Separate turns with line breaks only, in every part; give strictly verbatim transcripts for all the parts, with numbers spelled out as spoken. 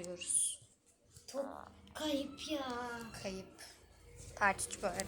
alıyoruz.
Top kayıp ya.
Kayıp. Part üç bu arada.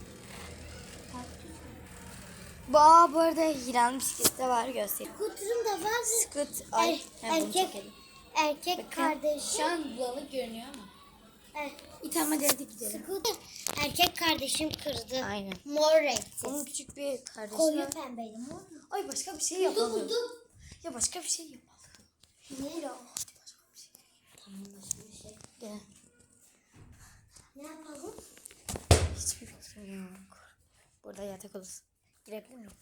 Bu, aa, bu arada Hira'nın bisikleti de var, göstereyim.
Skuterim de var.
Skut. Ay,
Er,
ha, bunu
erkek
çekelim.
erkek
Bakın,
kardeşim.
şu an bulanık görünüyor ama.
Er,
İyi tamam, hadi hadi gidelim.
Scooter erkek kardeşim kırdı.
Aynen.
Mor renkli.
Onun küçük bir kardeşi
Koyu
var.
pembeydi mor.
Ay başka bir şey
Buldum
yapalım.
buldum.
Ya başka bir şey yapalım.
Ne?
Ya hadi başka bir şey.
Tamam başka bir şey.
Gel.
Ne yapalım?
Hiçbir fikrim yok. Burada yatak odası. Girebilir miyim?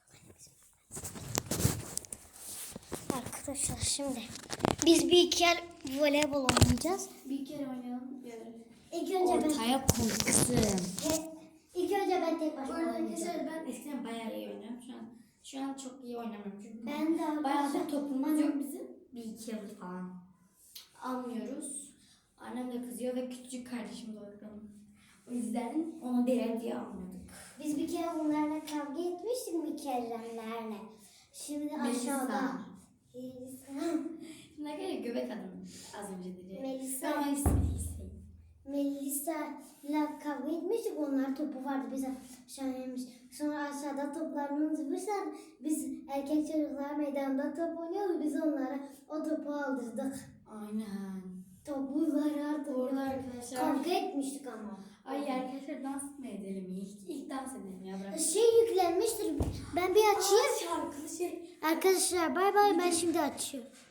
Arkadaşlar şimdi biz bir iki yer voleybol oynayacağız.
Bir kere oynayalım.
İlk önce ben
Ortaya korktum.
He, ilk önce ben tek
Bu
başıma
arada
oynayacağım.
arkadaşlar ben eskiden bayağı iyi oynuyorum. Şu an şu an çok iyi oynamıyorum çünkü
Ben de
bayağı da
arkadaşlar-
topumuz yok bizim. Bir iki yıldır falan almıyoruz. Annem de kızıyor ve küçük kardeşim de oynuyor. O yüzden onu değer diye almadık.
Biz bir kere bunlarla kavga etmiştik Mükerremlerle. Şimdi aşağıda. Melisa.
Ne kadar göbek adım az önce dedi.
Melisa.
Ama ismi Hüseyin.
Melisa'yla kavga etmiştik. Onlar topu vardı. Biz aşağıymış. Sonra aşağıda toplarını unutmuşlar. Biz erkek çocuklar meydanda top oynuyoruz. Biz onlara o topu aldırdık.
Aynen.
Topları artık.
Orada arkadaşlar.
Kavga etmiştik ama.
Ay arkadaşlar dans mı edelim ilk? İlk dans edelim ya, bırak.
Şey yüklenmiştir. Ben bir açayım.
Aa, şarkılı şey.
Arkadaşlar bay bay, ben şimdi açıyorum.